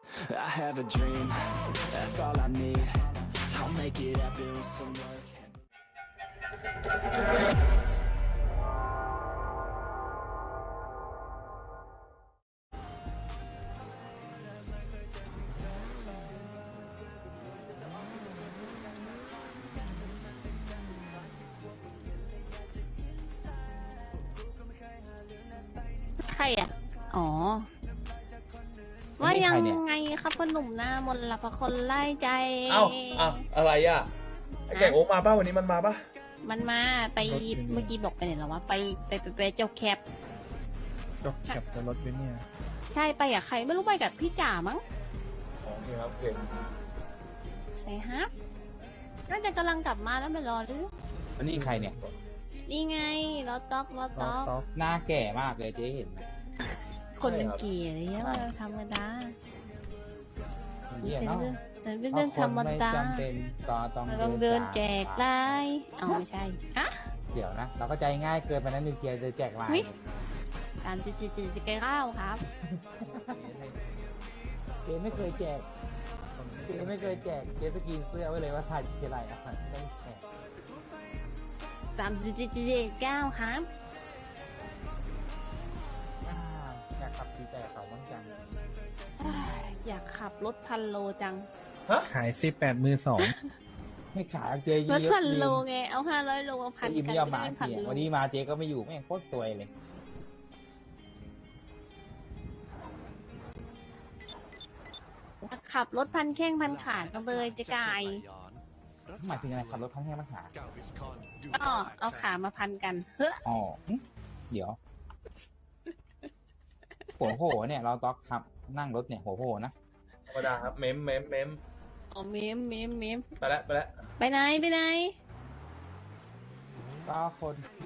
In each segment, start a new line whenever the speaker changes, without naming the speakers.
I have a dream, that's all I need. I'll make it happen with some work.
ใครอ่ะ อ๋อ ว่ายังไงครับพ่อหนุ่มหน้ามนต์ละพะคนไล่ใจ
เอ้าอะไรอ่ะไอ้แก่โอ๊มาป่ะวันนี้มันมาป่ะ
มันมาไปเมื่อกี้บอกไปไหนแล้ววะไปเจ้าแคป
จบแคปแต่รถเบนเนี่ย
ใช่ไปกับใครไม่รู้ไปกับพี่จ๋ามั้ง
โอเคครับเก่ง
ใช่ฮะน่าจะกำลังกลับมาแล้วไม่รอหรือ
อันนี้ใครเนี่ย
นี่ไงรอต๊อก
หน้าแก่มากเลยเจ๊เห็นไหม
คนเป็นเกียร์เนี่ยว่าธรรมดา
เหี้ย
เป็น
เนาะ
เรื่องเป็นเรื่องธรรมดา
จำเป็นต้อง
ต้องเดินแจกไลน์เอาไม่ใช่ฮะ
เดี๋ยวนะ เราก็ใจง่ายเกินไปนั้นนิวเคลียร์จะแจกไล
อุ๊ย
น์
ตามจะแก้ข้าวครับ
เจ๊ไม่เคยแจกเจ๊ไม่เคยแจกเจ๊สกรีนเสื้อไว้เลยว่าถ่ายเท่าไหร่อ่ะต้องแจก
ตามจะแก้วครับ
อยากขับตีแต่เขาบ้างจัง
อยากขับรถพันโลจัง
ขาย18 มือ
ไม่ขายเจ๊เย
ร
อะ
ถพันโลไงเอา500 โลมาพัน
อี
กั
ไม่ยอมมา
พัน
เสีย
โล
วันนี้มาเจ๊ก็ไม่อยู่แม่งโคตรซวยเลย
ขับรถพันแข้งพันขากันเลยจะกาย
หมายถึงอะไรขับรถทั้งแค่มาหา
ก็เอาขามาพันกันเฮ้อ
อ๋อเดี๋ยวหัวโหเนี่ยเราต้องขับนั่งรถเนี่ยหัวโหนะ
ธรรมดาครับเมม
อ๋อเมม
ไปแล้ว
ไปไหน
ก็คน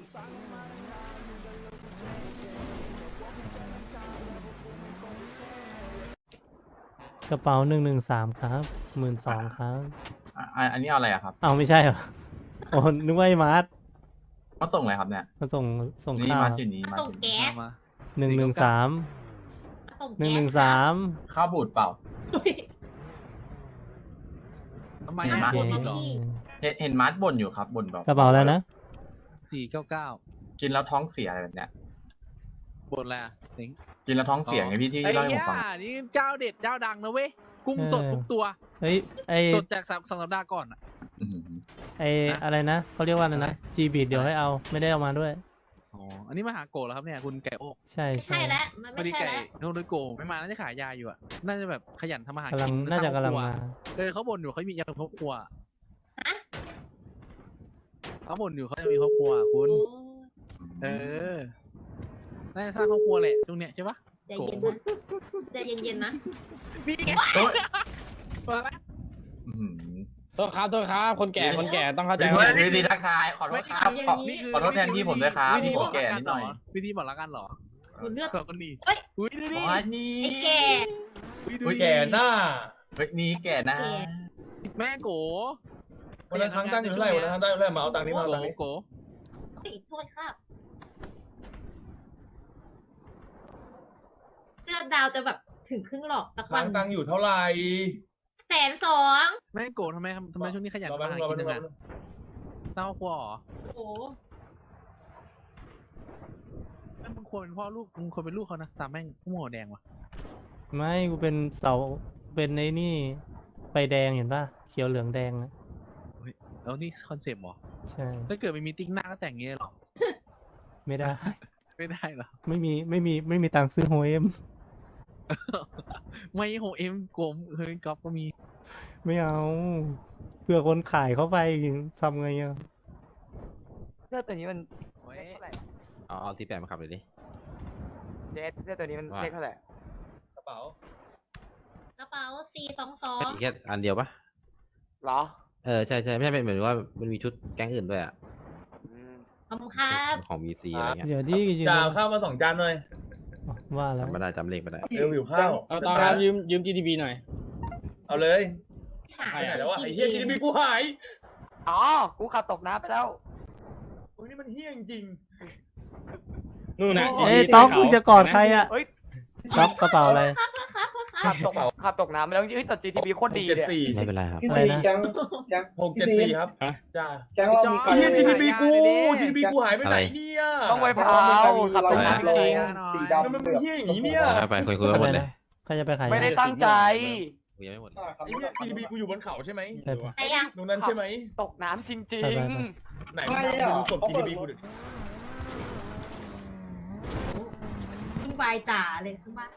กระเป๋า113ครับ12,000ครับ
อันนี้เอาอะไรอะครับ
เอาไม่ใช่เหรอโอ้นึกว่าไอ้มาร์ท
มาส่งอะไรครับเนี่ย
มาส่ง
นี่
ข้าว
มา
ครับ
จุดนี้มา
ส่ง
จุด
แก๊
นี้
ส
113 113
ข้าวบูดเปล่า
ทำไม
เห็น
นะ
ไหม
บ่นเหรอ
เห็นมาร์ทบ่นอยู่ครับบ่นแบบ
กระเป๋าแล้วนะ
499
กินแล้วท้องเสียอะไรแบบเนี้ย
บ่นแหละสิง
กินแล้วท้องเสียไงพี่ที่
ไอ้
เล่าให้ผ
เหี้
ม
ย
ฟัง
นี่เจ้าเด็ดเจ้าดังนะเว้ย กุ้งสดทุกตัว
เฮ้ยไอ
สดจากสองสัปดาห์ก่อนอะ
อื้อหือ
ไออะไรนะเขาเรียกว่าอะไรนะจีบีเดี๋ยวให้เอาไม่ได้เอามาด้วย
อ๋อ อันนี้มาหาโกะแล้วครับเนี่ยคุณไก่โอ๊ก
ใช่
ใช่แล้วมัน
พอ
ไม่
ดี
ใช่
ไก่
แล้ว
โดยโกะไม่มาน่าจะขายยาอยู่อะน่าจะแบบขยันทำมาหากิ
กำลัง
น
น่าจะกำลังมา
เขาบ่นอยู่เขามียาครอบครัวเขาบ่นอยู่เขาจะมีครอบครัวคุณ เออ น่าจะสร้างครอบครัวแหละช่วงเนี้ยใช่ปะ
ใจเย็นนะใจเย็นๆนะ
นี่ไง
โอ๊ย
มาแล้ว
อื้อหือ
โทษครับคนแก่ต้องเข้าใจ
เฮ้
ว่าย
วิธีทักทายขอโทษครับขอโทษแทนพี่ผมด้วยครับพี่ผมแก่นิดหน่อย
วิธีบอกรักกันเหรอ
คุณเลือก
สองคนนี้
เฮ้ย
อุ้ยดูดิ
อ๋อนี่
ไอ้แก่
อุ้ยแก่หน้า
เฮ้ยนี่แก่นะ
แก่
แม่โก
วันนั้นครั้งตั้งอยู่เท่าไหร่วันนั้นครั้งตั้งอยู่เท่าไหร่มาเอาตังค์นี้มาเอาตังค์นี้
โก
เฮ้ยโทษครับเสื้อดาวจะแบบถึงครึ่งหลอกสัก
ค
วั
รั้
น
งตั้งอยู่เท่าไหร่
120,000
แม่โกทำไมช่วงนี้ขยัน
รอ
มา
แป๊บ
หา
นึงรอ
กิ
แป๊บ
น
นึ
จั
ง
ง
รอ
อะ
แป๊บนึง
เศร้าครัวเหรอ
โอ้โห
มึงควรเป็นพ่อลูกมึงควรเป็นลูกเขานะตามแม่งผู้หัวแดงว่ะ
ไม่กูเป็นเสาเป็นไอ้นี่ไฟแดงเห็นป่ะเขียวเหลืองแดงนะ
แล้วนี่คอนเซปต์เหรอ
ใช่
ถ้าเกิดไม่มีติ๊กหน้าก็แต่งอย่างเงี้ยเหรอ
ไม่ได้
ไม่ได้เหรอ
ไม่มีตังค์ซื้อโฮเอ็ม
ไม่โหเอ็มโกมเฮ้ยก๊อฟก็มี
ไม่เอาเพื่อคนขายเข้าไปทำไงอ่ะ
เสื้อตัวนี้มัน
โอ้ย
เลขเท่าไหร่
เอาที่แปดมาขับเลยดิ
เจ๊เสื้อตัวนี้มัน
ว่า
เลขเท่าไหร่
กระเป๋าก
ระเป๋า422
แค่อันเดียวปะ
เหรอ
ใช่ไม่ใช่เป็นเหมือนว่ามันมีชุดแก๊งอื่นด้วยอ่ะ
อืม
ขอบคุณครับ
ของมีซีอะไรเงี้ย
เดี๋ยวดิยืน
จ่าข้าวมา2 จานหน่อย
ว่าแล้ว
จำไม่ได้จำเลขไม่ได้
เร็วหิวข้าว
เอาตอนครับยืม GTB หน่อย
เอาเลย
หา
ไปไหนแล้ววะไอ้เฮียกินมีกูหาย
อ๋อ กูขับตกน้ำไปแล้ว
อุ้ยนี่มันเฮียจริง
นู่นนะ
เอ้ยต๊อกมึงจะกอดใครอ่ะ
เฮ้ย
ต๊อกกระเป๋าอะไร
ครับโทษครับ
ขับตกน้ำไปแล้วเฮ้ยแต่ GTB โคตรดีเลย
ไม่เป็นไร
อะไรนะ
674ครับจ้า
แกงเรามีใคร
เฮีย GTB กู GTB กูหายไปไหนเนี่ย
ต้องไปเผาขับตกน้ำจริง
สีดำ
ทำไมมึงเฮียอย่างนี้เนี่ย
ไปคุยกันหมดเลย
ใครจะไปขาย
ไม่ได้ตั้งใจ
คุยยังไม่หมด
ไอ้เฮีย GTB กูอยู่บนเขาใช่ไหม
ไปไป
ไหนอ่ะ
ตรงนั้นใช่ไหม
ตกน้ำจริง
ไปไป
ไหนมึงกด GTB กูดิ
ขึ้นไปจ่าเลยขึ้นมา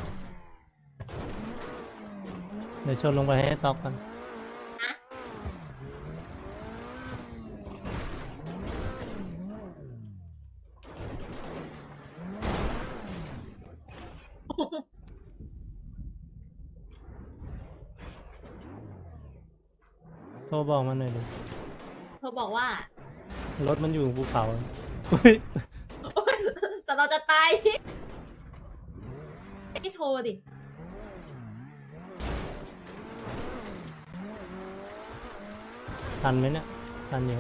เดี๋ยวชนลงไปให้ตอกกัน โทรบอกมันหน่อยดิ
เขาบอกว่าร
ถมันอยู่ภูเขาอุ๊ย
แต่เราจะตายพี่โทรดิ
ทันไหมเนี่ย ทันอยู่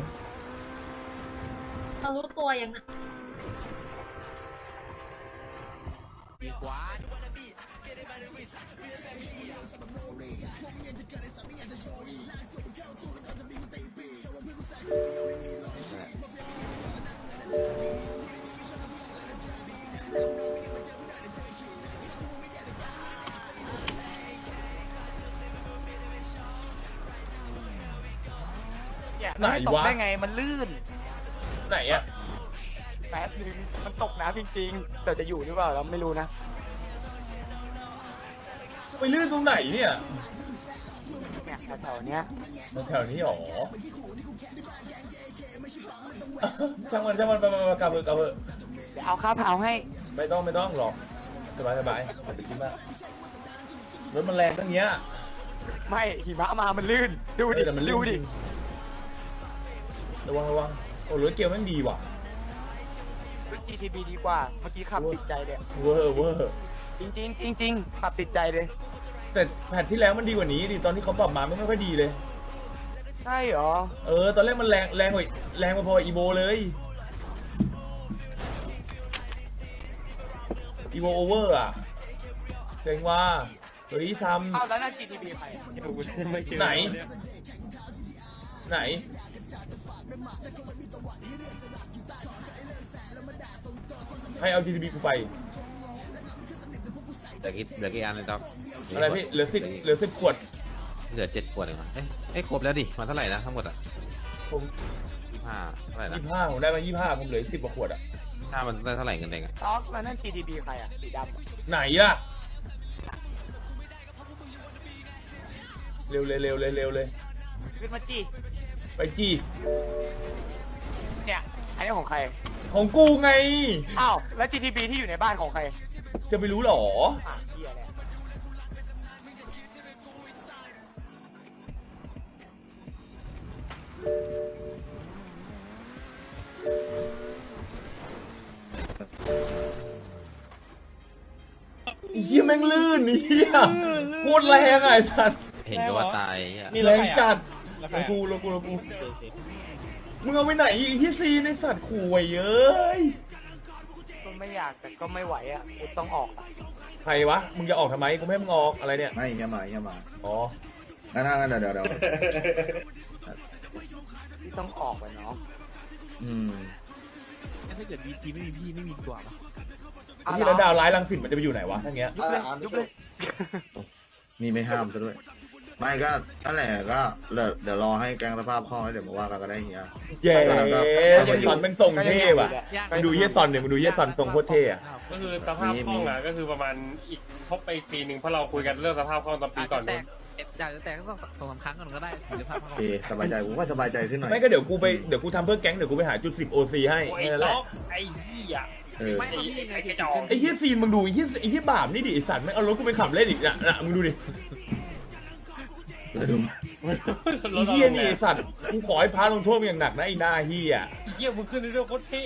เรารู้ตัวยังนะ
เนี่ย
ไหน
ตก
วะ
ได้ไงมันลื่น
ไหนอะ
แป๊บนึงมันตกน้ำจริงๆแต่จะอยู่หรือเปล่าเราไม่รู้นะ
ไปลื่นตรงไหนเนี่ย
เนี่ยแถวๆเนี้ย
แถวนี้หรอช่างมันไปกลับเถอะ
เดี๋ยวเอาข้าวเผาให้
ไม่ต้องหรอกสบายอย่าไปคิดมากรถมันแรงตั้งเนี้ย
ไม่หิมะมามันลื่นดูดิ
แต่มันลื่น
ดูดิ
ระวังโอ้รถเกียวแม่งดีว่ะ
รถ GTB ดีกว่าเมื่อกี้ขับติดใจเลย
เวอร์
จริงขับติดใจเลย
แต่แพทที่แล้วมันดีกว่านี้ดิตอนที่เขาปรับมาไม่ค่อยดีเลย
ใช่เหรอ
ตอนแรกมันแรงกว่าพออีโบเลยอีโบโอเวอร์อะเจ๋งว่าเฮ้ยท
อ้าวแล้วนั่น GTB ใครอะ
ำไหนใครเอา GTB กูไป
เหลือกี่อันเลยจ๊อบ
อะไรพี่เหลือ10ขวด
เหลือ7 ขวดเองมั้งเอ้ยครบแล้วดิมันเท่าไหร่นะทั้งหมดอ่ะ
ผม
25เท่าไหร่นะ
25ผมได้มา25ผมเหลือ10กว่าขวดอะ
ถ้ามันได้เท่าไหร่เงินเองอะ
ต๊อกแล้วนั่น GTB ใครอะสีดำอะ
ไหนล่ะเร็วเลย
ขึ้นมาจี
ไปจี้
เนี่ยอันนี้ของใคร
ของกูไง
อ้าวแล้ว GTB ที่อยู่ในบ้านของใคร
จะไปรู้หรอ
เหี้ยเนี่ย
เหี้ยแม่งลื่นเหี้ยโคตรแรงอ่ะไอ้สัตว์
เห็นก็ว่าตายอ่ะ
แรงจัด
แล้วใค
ล
ร
งกูมึงเอาไปไหนอีกเหี้ยซีในสัตว์ขู่ไว้เอ้ย
ก็ไม่อยากแต่ก็ไม่ไหวอะกูต้องออกอะ
ใครวะมึงจะออกทำไมกูไม่ให้มึงออกอะไรเนี่ย
ไม่เฮียมา
อ๋อ
งั้นเดี๋ยว
พี่ต้องออกไปเนาะ
ถ้าเกิดบีจีไม่มีพี่ไม่มีกว่าปะ
ไอ้ที่แล้วดาวร้ายรังสิตมันจะไปอยู่ไหนวะทั้งเงี้ย
ยุบเลย
นี่ไม่ห้ามซะด้วย ไม่ก็นั่นแหละก็เดี๋ยวรอให้แกงสภาพคล่องแล้วเดี๋ยวมาว่ากันก็ได้เฮีย
เย้เฮียซอนแม่งทรงเท่ว่ะมึงดูเฮียซอนเนี่ยมึงดูเฮียซอนทรงโคตรเท่อะ
ก็คือสภาพคล่องอ่ะก็คือประมาณอีกครบไปอีกปีหนึ่งเพราะเราคุยกันเรื่องสภาพคล่องตอนปีก่อนนู้น
อยากจะแตกก็ต้อง2-3 ครั้งก่อนก็ได้หรือภาพ
โอเคสบายใจผมก็สบายใจขึ้นหน่อย
ไม่ก็เดี๋ยวกูทำเพื่อแก๊งเดี๋ยวกูไปหาจุด10 OC ให้
ไอ้
แค่นั้นแห
ล็
ละ
อกไอ้เหี้ย
ไม่
ไอ้กระจอก
ไอ้เฮียซีนมึงดูไอ้เฮียบาปนี่ดิไอ้สัตว์ไม่งเอารถกูไปขับเล่นอีกนะมึงดูดิ
แล้วดู
ไอ้เฮียนี่ไอ้สัตว์กูขอให้พาลงโทษมึงอย่างหนักนะไอ้หน้าเฮีย
เหี้ยมึงขึ้นในเรื่องโคตรเท่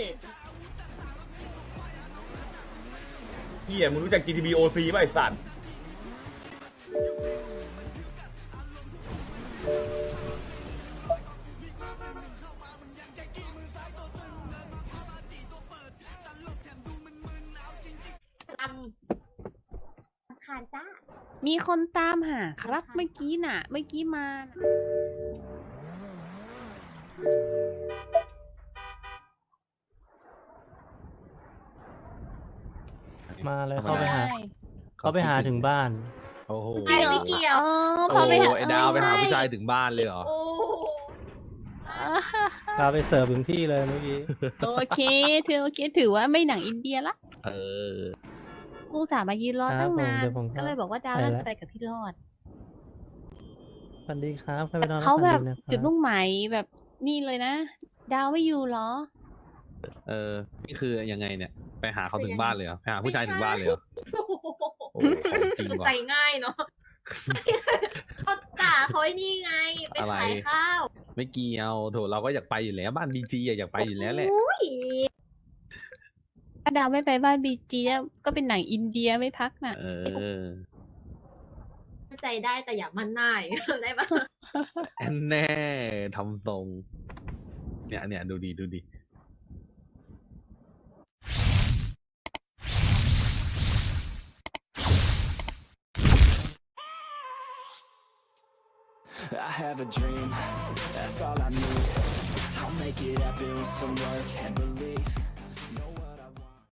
เฮียมึงรู้จัก GTB OC ป่ะไอ้สัตว์
ลำ
คารจ้า
มีคนตามหาครับเมื่อกี้น่ะ เมื่อกี้มาน่ะ
มาเลยเข้าไปหา
ใช่
เขาไปหาถึงบ้าน
โอ้โห
ใช่ไม่เกี่ยว
อ๋อพอไปหา
ไอ้ดาวไปหาผู้ชายถึงบ้านเลยเหรอ
โอ้
พาไปเสิร์ฟถึงที่เลยเมื่อกี้
โอเคถือว่าไม่หนังอินเดียละ
เออ
กูสามายืนรอ
ครั
ตั้
บ
งนาน
ผมเดี๋ยวผม
ก็เลยบอกว่าดาว
ไป
น่า
แล้ว
จะไปกับพี่รอด
สวัสดีครับใครไปนอน
เขาแบบ
ฝันดีนะครับ
จุดมุ่งหมายแบบนี่เลยนะ ดาวไม่อยู่เหรอ
เออ นี่คือยังไงเนี่ย ไปหาเขาถึงบ้านเลยเหรอ ไปหาผู้ชายถึงบ้านเลยเหรอ โอ้โหของจริงว่ะ
ใจง่ายเนาะเขาด่าเขาไอ้นี่ไง ไป
อะไร
ขายข้าว
ไม่เกี่ยวโถเราก็อยากไปอยู่แล้วบ้านดีจีอยากไปอยู่แล้วแหละ
อุ้ย
ถ้าดาวไม่ไปบ้านบีจีก็เป็นหนังอินเดียไม่พักน่ะ
เออ
ใจได้แต่อย่ามันหน้าอย่างเงี้ยได้ปะ
แน่ทำทรง เนี่ยดูดี
I have a dream, that's all I need. I'll make it happen with some work and belief.